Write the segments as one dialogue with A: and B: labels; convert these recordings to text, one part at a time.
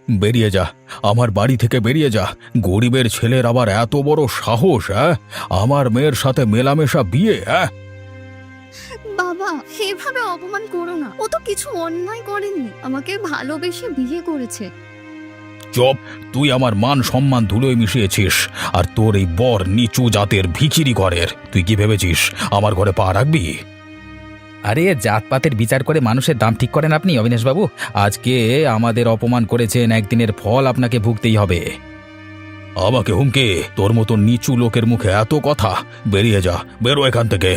A: বেরিয়ে যা, আমার বাড়ি থেকে বেরিয়ে যা। গরিবের ছেলের আবার এত বড় সাহস, হ্যাঁ? আমার মেয়ের সাথে মেলামেশা বিয়ে, হ্যাঁ?
B: বাবা, এভাবে অপমান করো না। ও তো কিছু অন্যায় করেনি, আমাকে ভালোবেসে বিয়ে করেছে।
A: চুপ! তুই আমার মান সম্মান ধুলোয় মিশিয়েছিস, আর তোর এই বর নিচু জাতের ভিখিরি ঘরের। তুই কি ভেবেছিস আমার ঘরে পা রাখবি?
C: আরে জাতপাতের বিচার করে মানুষের দাম ঠিক করেন আপনি অবিনাশবাবু? আজকে আমাদের অপমান করেছেন, একদিনের ফল আপনাকে ভুগতেই হবে।
A: আমাকে হুমকে? তোর মতো নিচু লোকের মুখে এত কথা! বেরিয়ে যা, বেরো এখান থেকে।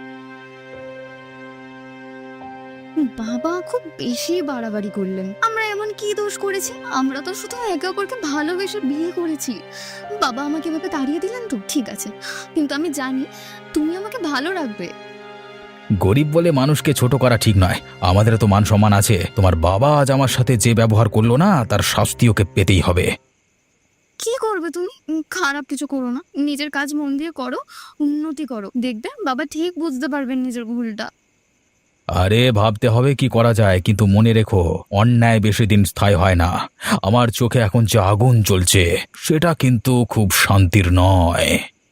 B: বাবা খুব বেশি বাড়াবাড়ি করলেন। আমরা এমন কি দোষ করেছি? আমরা তো শুধু একে অপরকে ভালোবেসে বিয়ে করেছি। বাবা আমাকে এভাবে তাড়িয়ে দিলেন তো ঠিক আছে, কিন্তু আমি জানি তুমি আমাকে ভালো রাখবে।
C: গরিব বলে মানুষকে ছোট করা ঠিক নয়। আমাদের তো মান সম্মান আছে। তোমার বাবা আজ আমার সাথে যে ব্যবহার করলো না, তার শাস্তি ওকে পেতেই হবে।
B: কি করবে তুমি? খারাপ কিছু করো না, নিজের কাজ মন দিয়ে করো, উন্নতি করো, দেখবে বাবা ঠিক বুঝতে পারবেন নিজের ভুলটা।
C: আরে ভাবতে হবে কি করা যায়, কিন্তু মনে রেখো, অন্যায় বেশি দিন স্থায়ী হয় না। আমার চোখে এখন যে আগুন জ্বলছে, সেটা কিন্তু খুব শান্তির নয়।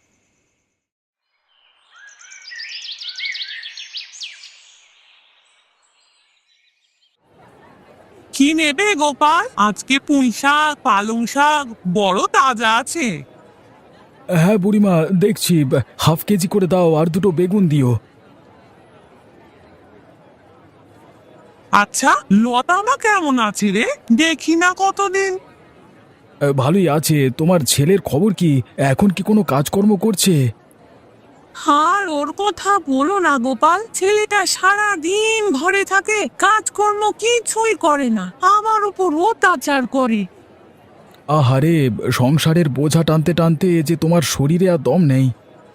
D: কি নেবে গোপাল? আজকে পুঁই শাক, পালং শাক বড় তাজা আছে।
A: হ্যাঁ বুড়িমা, দেখছি। হাফ কেজি করে দাও, আর দুটো বেগুন দিও।
D: আচ্ছা, লতামা কেমন আছে রে? দেখি না কতদিন।
A: ভালোই আছে। তোমার ছেলের খবর কি? এখন কি কোনো কাজকর্ম করছে?
D: আর ওর কথা বলো না গোপাল, ছেলেটা সারা দিন ঘরে থাকে, কাজকর্ম কিছুই করে না, আমার উপর অত্যাচার করে।
A: আহারে, সংসারের বোঝা টানতে টানতে যে তোমার শরীরে আর দম নেই।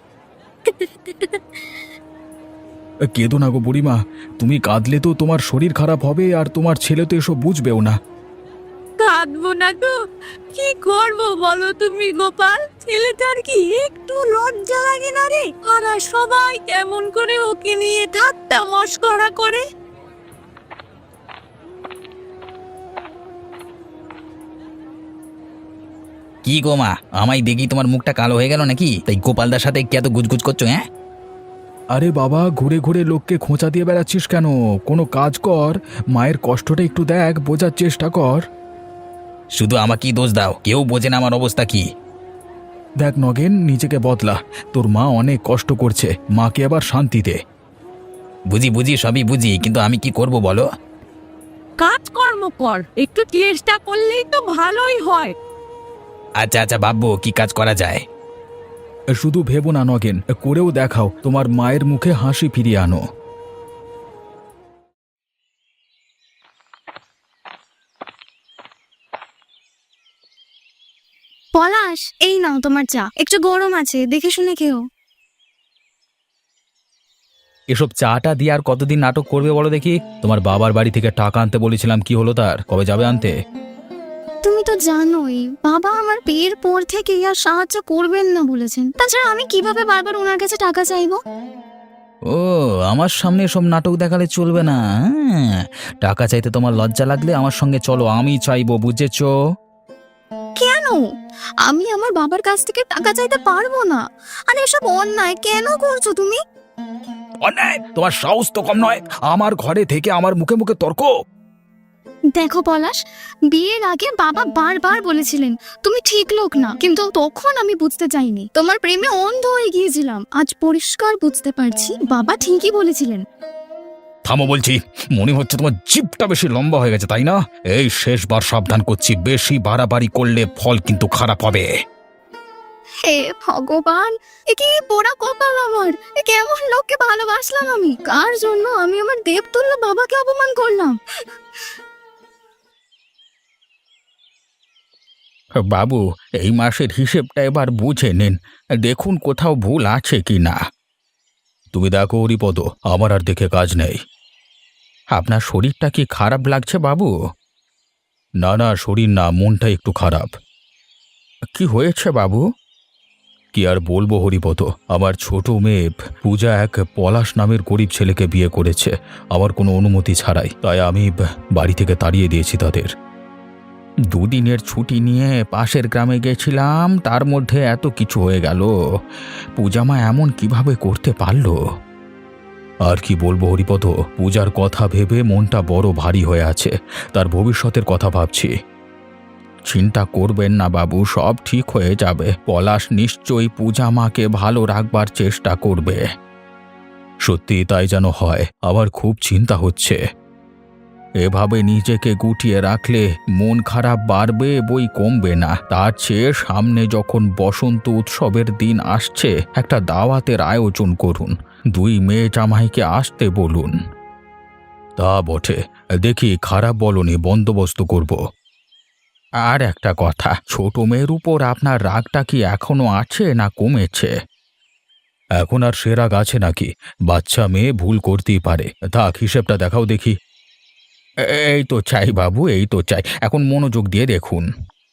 A: কেঁদো না গো বুড়িমা, তুমি কাঁদলে তো তোমার শরীর খারাপ হবে, আর তোমার ছেলে তো এসব বুঝবেও না।
D: কাঁদবো না তো কি করবো বলো তুমি গোপাল? ছেলেটার কি একটু লজ্জা লাগে না রে? আর সবাই কেমন করে ওকে নিয়ে ঠাট্টা মশকরা করে।
C: কি গো মা, আমায় দেখি তোমার মুখটা কালো হয়ে গেল নাকি? তাই গোপালদার সাথে কি এত গুজগুজ করছো? হ্যাঁ,
A: আরে বাবা, ঘুরে ঘুরে লোককে খোঁচা দিয়ে বেড়াচ্ছিস কেন? কোনো কাজ কর, মায়ের কষ্টটা একটু দেখ, বোঝার চেষ্টা কর।
C: শুধু আমাকেই দোষ দাও, কেউ বোঝে না আমার অবস্থা কি।
A: দেখ নগেন, নিজেকে বদলা। তোর মা অনেক কষ্ট করছে, মাকে আবার শান্তি দে।
C: বুঝি বুঝি, সবই বুঝি, কিন্তু আমি কি করব বলো?
D: কাজকর্ম কর, একটু চেষ্টা করলেই তো ভালোই হয়।
C: আচ্ছা আচ্ছা ভাববো কি কাজ করা যায়।
A: শুধু ভেবো না নগেন, করেও দেখাও, তোমার মায়ের মুখে হাসি ফিরিয়ে আনো।
B: পলাশ, এই নাও তোমার চা, একটু গরম আছে, দেখে শুনে খেও।
C: এসব চাটা দিয়ে আর কতদিন নাটক করবে বলো দেখি? তোমার বাবার বাড়ি থেকে টাকা আনতে বলেছিলাম, কি হলো তার? কবে যাবে আনতে?
B: তুমি তো জানোই বাবা আমার বিয়ের পর থেকে আর সাহায্য করবেন না বলেছেন। তাছাড়া আমি কিভাবে বারবার ওনার কাছে টাকা চাইবো?
C: ও, আমার সামনে এসব নাটক দেখালে চলবে না। হ্যাঁ, টাকা চাইতে তোমার লজ্জা লাগলে আমার সঙ্গে চলো, আমি চাইবো, বুঝেছো?
B: কেন? আমি আমার বাবার কাছ থেকে টাকা চাইতে পারবো না। আর এসব অন্যায় কেন করছো তুমি?
A: অন্যায়? তোমার সাহস তো কম নয়, আমার ঘরে থেকে আমার মুখে মুখে তর্ক।
B: দেখো পলাশ, বিয়ের আগে বাবা বারবার বলেছিলেন তুমি ঠিক লোক না, কিন্তু তখন আমি বুঝতে চাইনি, তোমার প্রেমে অন্ধ হয়ে গিয়েছিলাম। আজ পরিষ্কার বুঝতে পারছি বাবা ঠিকই বলেছিলেন।
A: থামো বলছি, মনে হচ্ছে তোমার জিভটা বেশি লম্বা হয়ে গেছে, তাই না? এই শেষবার সাবধান করছি, বেশি বাড়াবাড়ি করলে ফল কিন্তু খারাপ হবে।
B: হে ভগবান, এ কি পোড়া কপাল আমার! এ কেমন লোককে ভালোবাসলাম আমি? কার জন্য আমি আমার দেবতুল্য বাবাকে অপমান করলাম?
A: বাবু, এই মাসের হিসেবটা এবার বুঝে নিন, দেখুন কোথাও ভুল আছে কি না। তুমি দেখো হরিপদ, আমার আর দেখে কাজ নেই। আপনার শরীরটা কি খারাপ লাগছে বাবু? না না, শরীর না, মনটা একটু খারাপ। কি হয়েছে বাবু? কি আর বলবো হরিপদ, আমার ছোট মেয়ে পূজা এক পলাশ নামের গরিব ছেলেকে বিয়ে করেছে, আমার কোনো অনুমতি ছাড়াই। তাই আমি বাড়ি থেকে তাড়িয়ে দিয়েছি তাদের। দুদিনের ছুটি নিয়ে পাশের গ্রামে গেছিলাম, তার মধ্যে এত কিছু হয়ে গেল। পূজামা এমন কিভাবে করতে পারলো?
C: আর কি বলবো হরিপদ, পূজার কথা ভেবে মনটা বড় ভারী হয়ে আছে। তার ভবিষ্যতের কথা ভাবছি।
A: চিন্তা করবেন না বাবু, সব ঠিক হয়ে যাবে। পলাশ নিশ্চয়ই পূজামাকে ভালো রাখবার চেষ্টা করবে।
C: সত্যি তাই যেন হয়, আমার খুব চিন্তা হচ্ছে।
A: এভাবে নিজেকে গুটিয়ে রাখলে মন খারাপ বাড়বে, বই কমবে না। তার চেয়ে সামনে যখন বসন্ত উৎসবের দিন আসছে, একটা দাওয়াতের আয়োজন করুন। 2 মেয়ে জামাইকে আসতে বলুন।
C: তা বটে, দেখি, খারাপ বলনি, বন্দোবস্ত করব।
A: আর একটা কথা, ছোট মেয়ের উপর আপনার রাগটা কি এখনো আছে না কমেছে?
C: এখন আর সে রাগ আছে নাকি? বাচ্চা মেয়ে ভুল করতেই পারে। থাক, হিসেবটা দেখাও দেখি।
A: এই তো চাই বাবু, এই তো চাই। এখন মনোযোগ দিয়ে দেখুন।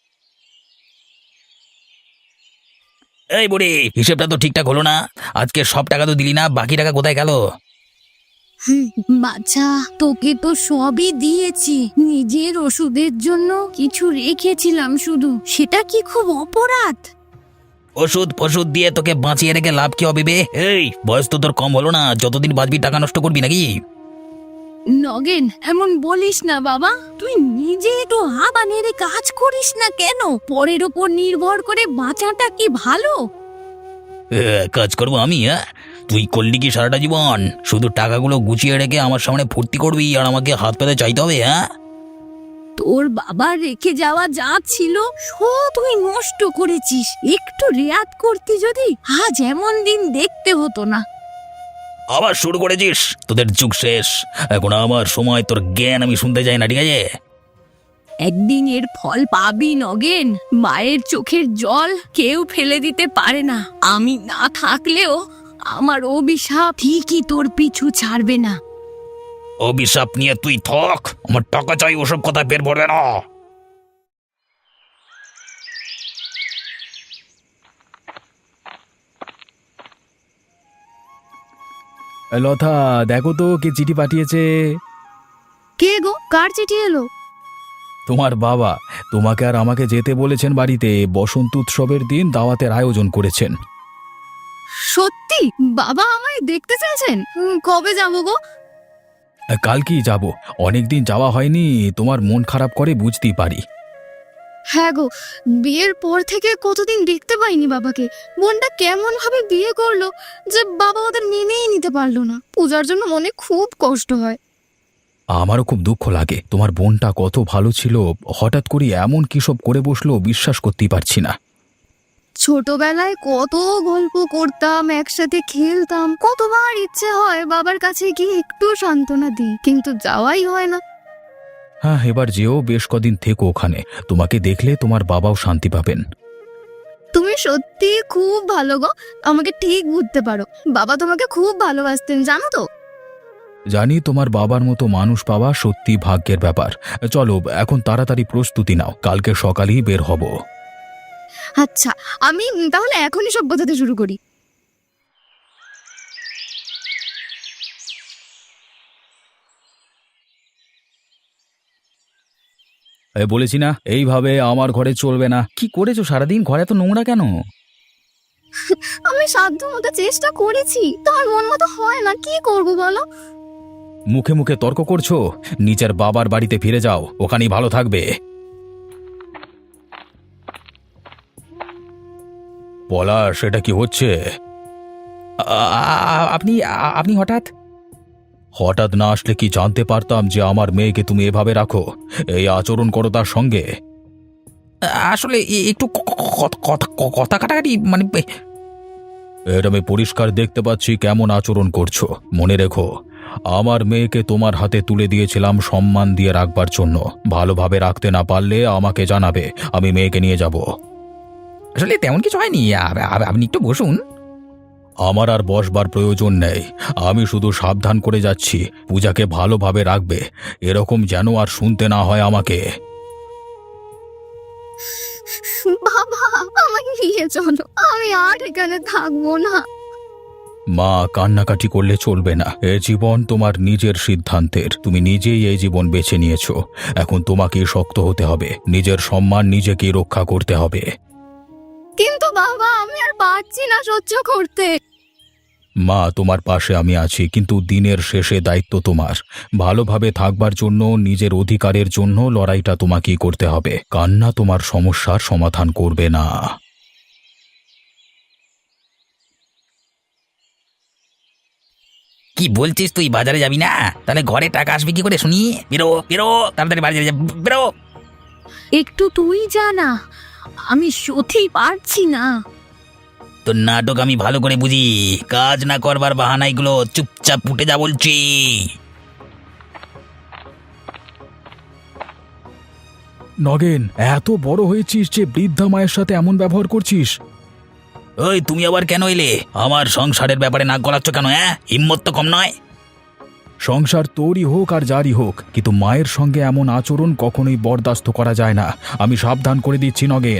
E: এই বুড়ি, হিসেবটা তো ঠিকঠাক হলো না। আজকে সব টাকা তো দিলি না, বাকি টাকা কোথায় গেল?
D: বাচ্চা, তোকে তো সবই দিয়েছি, নিজের ওষুধের জন্য কিছু রেখেছিলাম শুধু। সেটা কি খুব অপরাধ?
E: ওষুধ ফষুধ দিয়ে তোকে বাঁচিয়ে রেখে লাভ কি হবে বে? এই বয়স তো তোর কম হলো না, যতদিন বাঁচবি টাকা নষ্ট করবি নাকি?
D: নগেন, এমন বলিস না বাবা। তুই নিজে একটু হাবা নেড়ে কাজ করিস না কেন? পরের ওপর নির্ভর করে বাঁচাটা কি ভালো?
E: কাজ করবো আমি? হ্যাঁ, তুই করলি কি সারাটা জীবন? শুধু টাকাগুলো গুছিয়ে রেখে আমার সামনে ফুর্তি করবি আর আমাকে হাত পেতে চাইতে হবে? হ্যাঁ,
D: তোর বাবা রেখে যাওয়া যা ছিল সব তুই নষ্ট করেছিস। একটু রেয়াত করতি যদি, আজ এমন দিন দেখতে হতো না।
E: আবার শুরু করেছিস? তোদের যুগ শেষ, এখন আমার সময়। তোর জ্ঞান আমি শুনতে চাই না, ঠিক আছে?
D: একদিন এর ফল পাবি নগেন। মায়ের চোখের জল কেউ ফেলে দিতে পারে না। আমি না থাকলেও আমার অভিশাপ ঠিকই তোর পিছু ছাড়বে না।
E: অভিশাপ নিয়ে তুই থাক, আমার টাকা চাই, ওসব কথা বের পড়বে না।
C: লতা, দেখো তো কে চিঠি পাঠিয়েছে।
B: কে গো, কার চিঠি এলো?
C: তোমার বাবা তোমাকে আর আমাকে যেতে বলেছেন বাড়িতে। বসন্ত উৎসবের দিন দাওয়াতের আয়োজন করেছেন।
B: সত্যি? বাবা আমায় দেখতে চেয়েছেন? কবে যাবো গো?
C: কালকেই যাব। অনেকদিন যাওয়া হয়নি, তোমার মন খারাপ করে বুঝতেই পারি।
B: হ্যাঁ গো, বিয়ের পর থেকে কতদিন দেখতে পাইনি বাবাকে। বোনটা কেমন ভাবে বিয়ে করলো যে বাবা ওদের মেনেই নিতে পারলো না। পূজার জন্য মনে খুব কষ্ট হয়।
C: আমারও খুব দুঃখ লাগে। তোমার বোনটা কত ভালো ছিল, হঠাৎ করে এমন কি সব করে বসলো, বিশ্বাস করতেই পারছি না।
B: ছোটবেলায় কত গল্প করতাম, একসাথে খেলতাম। কতবার ইচ্ছে হয় বাবার কাছে গিয়ে একটু সান্ত্বনা দিই, কিন্তু যাওয়াই হয় না।
C: হ্যাঁ, এবার যেও, বেশ কদিন থেকো ওখানে। তোমাকে দেখলে তোমার বাবাও শান্তি পাবেন।
B: তুমি সত্যি খুব ভালো গো, আমাকে ঠিক বুঝতে পারো। বাবা তোমাকে খুব ভালোবাসতেন, জানো তো?
C: জানি, তোমার বাবার মতো মানুষ পাওয়া সত্যি ভাগ্যের ব্যাপার। চলো এখন তাড়াতাড়ি প্রস্তুতি নাও, কালকে সকালেই বের হব।
B: আচ্ছা, আমি তাহলে এখনই সব বোঝাতে শুরু করি।
C: বলেছি না, এইভাবে আমার ঘরে চলবে না। কি করেছো সারাদিন? ঘরে তো নোংরা কেন?
B: আমি সাধ্য মতো চেষ্টা করেছি, তোমার মন মতো হয় না, কি করবো বলো?
C: মুখে মুখে তর্ক করছো? নিজের বাবার বাড়িতে ফিরে যাও, ওখানেই ভালো থাকবে। বলা, সেটা কি হচ্ছে?
A: আপনি আপনি হঠাৎ?
C: হঠাৎ না আসলে কি জানতে পারতাম যে আমার মেয়েকে তুমি এভাবে রাখো, এই আচরণ করো তার সঙ্গে?
A: আসলে একটু কথা কাটাকাটি, মানে
C: এটা আমি পরিষ্কার দেখতে পাচ্ছি কেমন আচরণ করছো। মনে রেখো, আমার মেয়েকে তোমার হাতে তুলে দিয়েছিলাম সম্মান দিয়ে রাখবার জন্য। ভালোভাবে রাখতে না পারলে আমাকে জানাবে, আমি মেয়েকে নিয়ে যাব।
A: আসলে তেমন কিছু হয়নি। আপনি একটু বসুন।
C: আমার আর বসবার প্রয়োজন নেই, আমি শুধু সাবধান করে যাচ্ছি, পূজাকে ভালোভাবে রাখবে, এরকম যেন আর শুনতে না হয় আমাকে।
B: বাবা, আমাকে নিয়ে চলো, আমি আর এখানে থাকবো না।
C: মা, কান্নাকাটি করলে চলবে না। এ জীবন তোমার নিজের সিদ্ধান্তের, তুমি নিজেই এই জীবন বেছে নিয়েছো। এখন তোমাকে শক্ত হতে হবে, নিজের সম্মান নিজেকেই রক্ষা করতে হবে।
B: কিন্তু বাবা আমি আর পারছি না সহ্য করতে।
C: মা, তোমার পাশে আমি আছি, কিন্তু দিনের শেষে দায়িত্ব তোমার। ভালোভাবে থাকবার জন্য, নিজের অধিকারের জন্য লড়াইটা তোমাকেই করতে হবে। কান্না তোমার সমস্যার সমাধান করবে না।
E: কি বলছিস তুই? বাজারে যাবি না? তাহলে ঘরে টাকা আসবে কি করে শুনি? বেরো বেরো, তাড়াতাড়ি বাজারে যা, বেরো।
D: একটু তুই জানা, আমি সত্যিই পারছি না।
E: তোর নাটক আমি ভালো করে বুঝি। কাজ না করবার বাহানা এগুলো, চুপচাপ উঠে যা বলছি।
C: নগেন, এত বড় হয়েছিস যে বৃদ্ধা মায়ের সাথে এমন ব্যবহার করছিস?
E: ওই, তুমি আবার কেন এলে? আমার সংসারের ব্যাপারে নাক গলাচ্ছ কেন? হিম্মত তো কম নয়।
C: সংসার তোরই হোক আর যারই হোক, কিন্তু মায়ের সঙ্গে এমন আচরণ কখনোই বরদাস্ত করা যায় না। আমি সাবধান করে দিচ্ছি নগেন।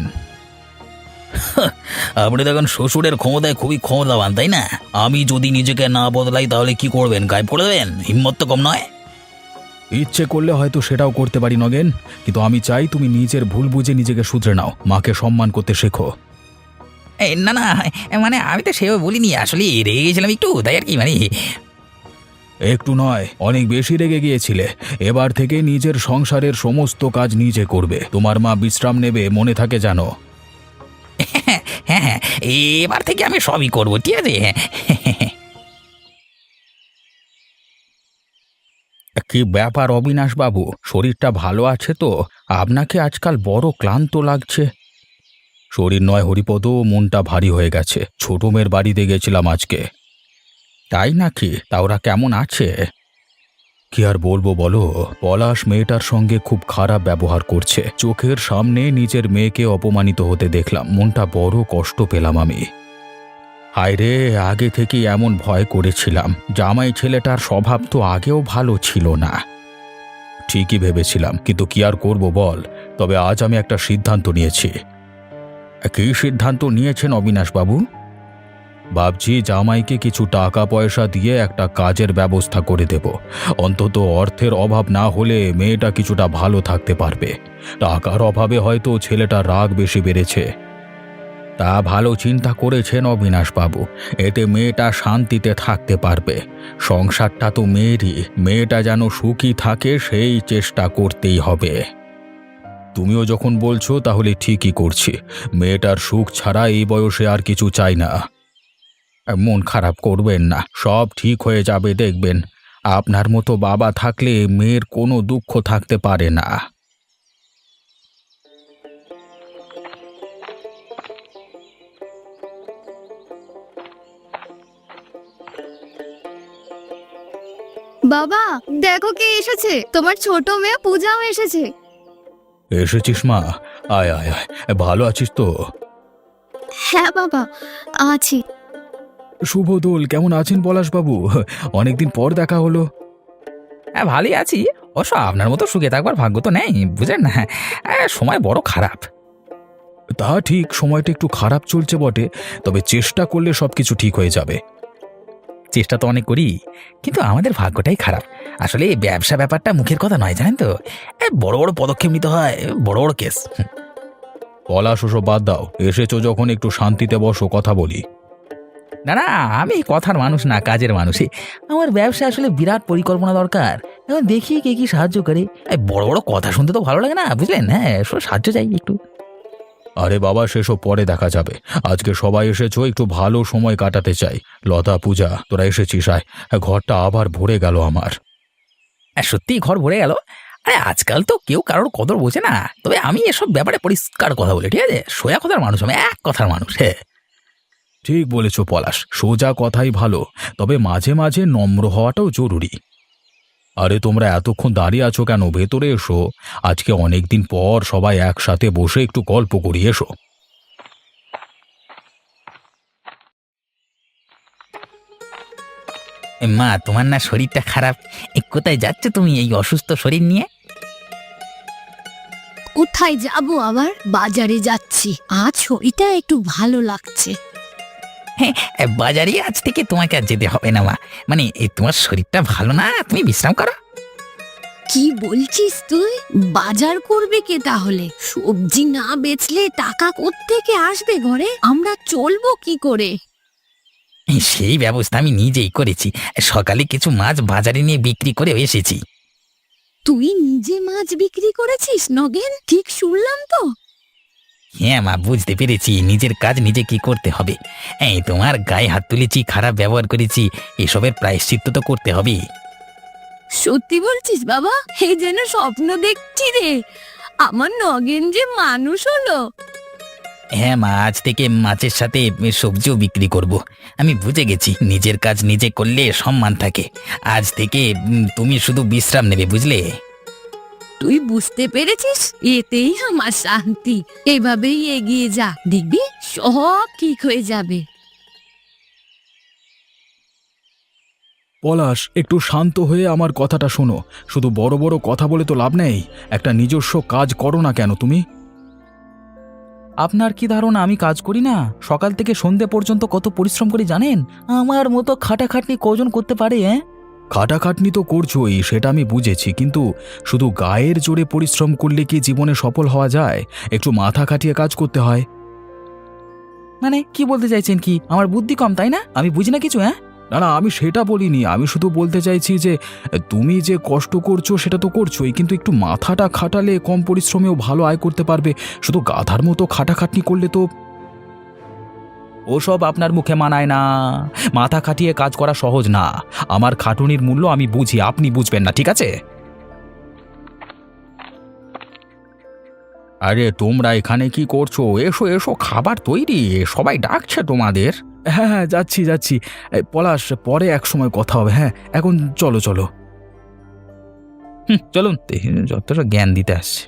E: আপনি তো এখন শ্বশুরের ক্ষমতায় খুবই ক্ষমতাবান, তাই না? আমি যদি নিজেকে না বদলাই তাহলে কি করবেন? গায়েব করে দেবেন? হিম্মত তো কম নয়।
C: ইচ্ছে করলে হয়তো সেটাও করতে পারি নগেন, কিন্তু আমি চাই তুমি নিজের ভুল বুঝে নিজেকে শুধরে নাও, মাকে সম্মান করতে শেখো।
E: না না, মানে আমি তো সেভাবে বলিনি, আসলে রেগে গেছিলাম একটু, তাই আর কি। মানে
C: একটু নয়, অনেক বেশি রেগে গিয়েছিলে। এবার থেকে নিজের সংসারের সমস্ত কাজ নিজে করবে। তোমার মা বিশ্রাম নেবে, মনে থাকে জানো।
E: হ্যাঁ হ্যাঁ, এবার থেকে আমি সবই করবো, ঠিক আছে?
A: কি ব্যাপার অবিনাশ বাবু, শরীরটা ভালো আছে তো? আপনাকে আজকাল বড় ক্লান্ত লাগছে।
C: শরীর নয় হরিপদ, মনটা ভারী হয়ে গেছে। ছোট মেয়ের বাড়িতে গেছিলাম আজকে।
A: তাই নাকি? তা ওরা কেমন আছে?
C: কি আর বলবো বলো, পলাশ মেয়েটার সঙ্গে খুব খারাপ ব্যবহার করছে। চোখের সামনে নিজের মেয়েকে অপমানিত হতে দেখলাম, মনটা বড় কষ্ট পেলাম আমি।
A: হায় রে, আগে থেকেই এমন ভয় করেছিলাম। জামাই ছেলেটার স্বভাব তো আগেও ভালো ছিল না।
C: ঠিকই ভেবেছিলাম, কিন্তু কি আর করব বল। তবে আজ আমি একটা সিদ্ধান্ত নিয়েছি।
A: কী সিদ্ধান্ত নিয়েছেন অবিনাশ বাবু?
C: ভাবছি জামাইকে কিছু টাকা পয়সা দিয়ে একটা কাজের ব্যবস্থা করে দেব। অন্তত অর্থের অভাব না হলে মেয়েটা কিছুটা ভালো থাকতে পারবে। টাকার অভাবে হয়তো ছেলেটার রাগ বেশি বেড়েছে।
A: তা ভালো চিন্তা করেছেন অবিনাশ বাবু, এতে মেয়েটা শান্তিতে থাকতে পারবে। সংসারটা তো মেয়েরই, মেয়েটা যেন সুখী থাকে সেই চেষ্টা করতেই হবে।
C: তুমিও যখন বলছো তাহলে ঠিকই করছি। মেয়েটার সুখ ছাড়া এই বয়সে আর কিছু চাই না।
A: মন খারাপ করবেন না, সব ঠিক হয়ে যাবে দেখবেন। আপনার মতো বাবা থাকলে মেয়ের কোনো দুঃখ থাকতে পারে না।
B: বাবা দেখো কে এসেছে, তোমার ছোট মেয়ে পূজাও এসেছে।
C: এসেছিস মা? আয় আয় আয়, ভালো আছিস তো?
B: হ্যাঁ বাবা আছি।
C: শুভদোল, কেমন আছেন পলাশবাবু? অনেকদিন পর দেখা হলো।
E: হ্যাঁ, ভালোই আছি। অবশ্য আপনার মতো সুখে থাকবার ভাগ্য তো নেই, বুঝলেন না? সময় বড় খারাপ।
C: তা ঠিক, সময়টা একটু খারাপ চলছে বটে, তবে চেষ্টা করলে সবকিছু ঠিক হয়ে যাবে।
E: চেষ্টা তো অনেক করি, কিন্তু আমাদের ভাগ্যটাই খারাপ। আসলে এই ব্যবসা ব্যাপারটা মুখের কথা নয়, জানেন তো? বড় বড় পদক্ষেপ নিতে হয়, বড় বড় কেস।
C: পলাশ, ওসব বাদ দাও। এসেছো যখন একটু শান্তিতে বসো, কথা বলি।
E: না না, আমি কথার মানুষ না, কাজের মানুষই। আমার ব্যবসা আসলে বিরাট পরিকল্পনা দরকার। এখন দেখি কে কি সাহায্য করে। বড় বড় কথা শুনতে তো ভালো লাগে না, বুঝলেন? হ্যাঁ, সাহায্য চাই একটু।
C: আরে বাবা, সেসব পরে দেখা যাবে। আজকে সবাই এসেছো, একটু ভালো সময় কাটাতে চাই। লতা, পূজা, তোরা এসেছিস, আয়। ঘরটা আবার ভরে গেল আমার।
E: সত্যিই ঘর ভরে গেল। আরে আজকাল তো কেউ কারোর কদর বোঝে না। তবে আমি এসব ব্যাপারে পরিষ্কার কথা বলি, ঠিক আছে? সোজা কথার মানুষ, আমি এক কথার মানুষ। হ্যাঁ,
C: ঠিক বলেছ পলাশ, সোজা কথাই ভালো, তবে মাঝে মাঝে নম্র হওয়াটাও জরুরি। আরে তোমরা এতক্ষণ দাঁড়িয়ে আছো কেন? ভেতরে এসো। আজকে অনেকদিন পর সবাই একসাথে বসে একটু গল্প করি, এসো।
E: মা, তোমার না শরীরটা খারাপ? কোথায় যাচ্ছ তুমি এই অসুস্থ শরীর নিয়ে?
D: কোথায় যাব আবার? বাজারে যাচ্ছি, আজ শরীরটা একটু ভালো লাগছে।
E: বাজারে আজ থেকে তোমাকে আর যেতে হবে না মা। মানে তোমার শরীরটা ভালো না, তুমি বিশ্রাম করো।
D: কি বলছিস তুই? বাজার করবে কে তাহলে? সবজি না বেচলে টাকা কোত্থেকে আসবে ঘরে? আমরা চলবো কি করে?
E: সেই ব্যবস্থা আমি নিজেই করেছি। সকালে কিছু মাছ বাজারে নিয়ে বিক্রি করে এসেছি।
D: তুই নিজে মাছ বিক্রি করেছিস নগেন? ঠিক শুনলাম তো?
E: হ্যাঁ মা, বুঝতে পেরেছি নিজের কাজ নিজে কি করতে হবে। তোমার গায়ে হাত তুলেছি, খারাপ ব্যবহার করেছি, এসবের প্রায়শ্চিত্ত তো করতে হবে।
D: সত্যি বলছিস বাবা? এই যেন স্বপ্ন দেখছি রে। আমার নগেন যে মানুষ হলো।
E: হ্যাঁ মা, আজ থেকে মাছের সাথে সবজিও বিক্রি করব। আমি বুঝে গেছি নিজের কাজ নিজে করলে সম্মান থাকে। আজ থেকে তুমি শুধু বিশ্রাম নেবে, বুঝলে?
D: তুই বুঝতে পেরেছিস? এতেই আমার শান্তি। এভাবেই এগিয়ে যা, দেখবি সব ঠিক হয়ে যাবে।
C: পলাশ, একটু শান্ত হয়ে আমার কথাটা শোনো। শুধু বড় বড় কথা বলে তো লাভ নেই। একটা নিজস্ব কাজ করো না কেন তুমি?
E: আপনার কি ধারণা আমি কাজ করি না? সকাল থেকে সন্ধে পর্যন্ত কত পরিশ্রম করি জানেন? আমার মতো খাটাখাটনি কজন করতে পারে?
C: খাটাখাটনি তো করছোই, সেটা আমি বুঝেছি, কিন্তু শুধু গায়ের জোরে পরিশ্রম করলে কি জীবনে সফল হওয়া যায়? একটু মাথা খাটিয়ে কাজ করতে হয়।
E: মানে কি বলতে চাইছেন? কি আমার বুদ্ধি কম তাই না? আমি বুঝি না কিছু?
C: না না, আমি সেটা বলিনি। আমি শুধু বলতে চাইছি যে তুমি যে কষ্ট করছো সেটা তো করছোই, কিন্তু একটু মাথাটা খাটালে কম পরিশ্রমেও ভালো আয় করতে পারবে। শুধু গাধার মতো খাটাখাটনি করলে তো।
E: ওসব আপনার মুখে মানায় না। মাথা খাটিয়ে কাজ করা সহজ না। আমার খাটুনির মূল্য আমি বুঝি, আপনি বুঝবেন না, ঠিক আছে?
A: আরে তোমরা এখানে কি করছো? এসো এসো, খাবার তৈরি, সবাই ডাকছে তোমাদের।
C: হ্যাঁ হ্যাঁ, যাচ্ছি যাচ্ছি। পলাশ, পরে এক সময় কথা হবে। হ্যাঁ, এখন চলো চলো।
E: চলুন, যতটা জ্ঞান দিতে আসছে।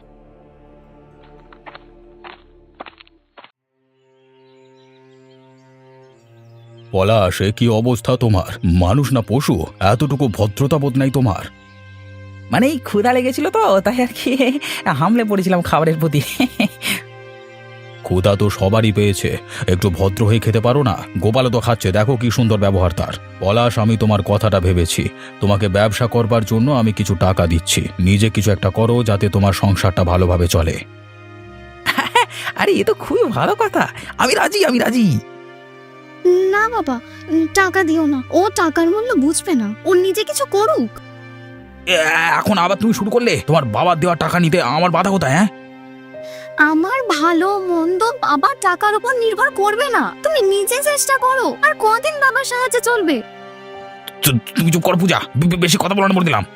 C: পলাশ, এ কি অবস্থা তোমার? মানুষ না পশু? এতটুকু ভদ্রতাবোধ নাই তোমার?
E: মানে এই ক্ষুধা লেগেছিল তো, তাই আর কি হামলে পড়েছিলাম খাবারের প্রতি।
C: ক্ষুধা তো সবারই পেয়েছে, একটু ভদ্র হয়ে খেতে পারো না? গোপালও তো খাচ্ছে, দেখো কি সুন্দর ব্যবহার তার। পলাশ, আমি তোমার কথাটা ভেবেছি। তোমাকে ব্যবসা করবার জন্য আমি কিছু টাকা দিচ্ছি। নিজে কিছু একটা করো যাতে তোমার সংসারটা ভালোভাবে চলে।
E: আরে এ তো খুবই ভালো কথা, আমি রাজি, আমি রাজি।
B: না বাবা, টাকা দিও না। ও টাকার মূল্য বুঝবে না। ও নিজে কিছু করুক।
E: এখন আবার তুমি শুরু করলে? তোমার বাবার দেওয়া টাকা নিতে আমার বাধা কোথায়?
B: আমার ভালো মন্দ বাবার টাকার উপর নির্ভর করবে না। তুমি নিজে চেষ্টা করো। আর কদিন বাবার সাহায্যে চলবে?
E: তুমি চুপ করো পূজা, বেশি কথা বলানো বলে দিলাম।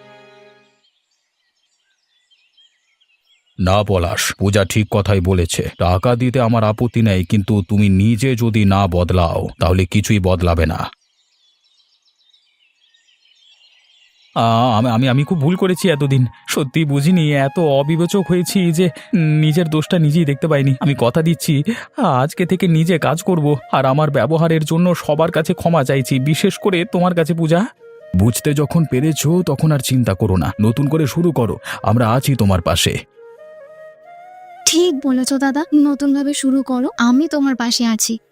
C: না পলাশ, পূজা ঠিক কথাই বলেছে। টাকা দিতে আমার আপত্তি নেই, কিন্তু তুমি নিজে যদি না বদলাও তাহলে কিছুই বদলাবে না।
A: আমি আমি খুব ভুল করেছি এতদিন। সত্যি বুঝিনি, এত অবিবেচক হয়েছি যে নিজের দোষটা নিজেই দেখতে পাইনি। আমি কথা দিচ্ছি আজকে থেকে নিজে কাজ করব, আর আমার ব্যবহারের জন্য সবার কাছে ক্ষমা চাইছি, বিশেষ করে তোমার কাছে পূজা।
C: বুঝতে যখন পেরেছো তখন আর চিন্তা করো না, নতুন করে শুরু করো। আমরা আছি তোমার পাশে।
B: ঠিক বলেছো দাদা, নতুন ভাবে শুরু করো, আমি তোমার পাশে আছি।